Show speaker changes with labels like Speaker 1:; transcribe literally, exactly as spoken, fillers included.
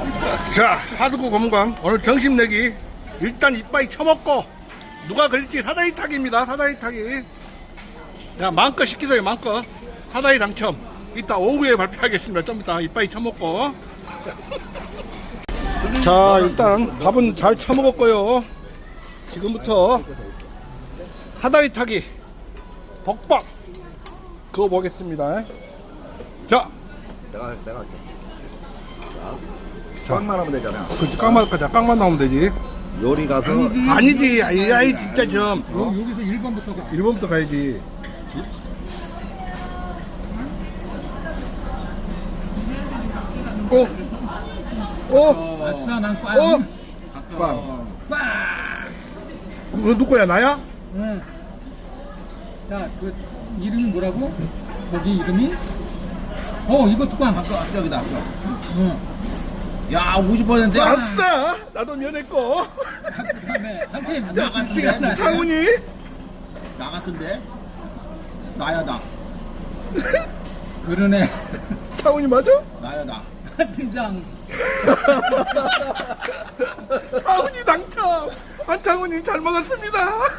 Speaker 1: 자, 하드구 검광 오늘 점심 내기 일단 이빠이 쳐먹고 누가 걸릴지 사다리 타기입니다. 사다리 타기. 자, 마음껏 시키세요. 마음껏 사다리 당첨 이따 오후에 발표하겠습니다. 좀 이따 이빠이 쳐먹고. 자, 일단 밥은 잘 쳐먹었고요. 지금부터 사다리 타기 복박 그거 보겠습니다. 자,
Speaker 2: 내가 내가 할게. 자, 꽝만 하면 되잖아.
Speaker 1: 그 깡만 가자. 깡만 나오면 되지.
Speaker 2: 요리 가서
Speaker 1: 아니지. 아이, 아이 진짜 좀
Speaker 3: 여, 여기서 일 번부터 가.
Speaker 1: 일 번부터 가야지. 오, 오,
Speaker 3: 아싸, 난 꽝.
Speaker 1: 오.
Speaker 2: 꽝.
Speaker 3: 꽝.
Speaker 1: 그거 누구야? 나야?
Speaker 3: 응. 자, 그 이름이 뭐라고? 거기 이름이? 어, 이것도 꽝.
Speaker 4: 아까 합격이다 합격.
Speaker 3: 응.
Speaker 4: 야 오십 퍼센트.
Speaker 1: 아싸! 나도 면했고.
Speaker 3: 그다음에 한팀
Speaker 4: 나 같은데?
Speaker 3: 미치겠다.
Speaker 1: 창훈이?
Speaker 4: 나 같은데? 나야 나.
Speaker 3: 그러네.
Speaker 1: 창훈이 맞아?
Speaker 4: 나야 나.
Speaker 3: 팀장.
Speaker 1: 창훈이 당첨! 안창훈이 잘 먹었습니다.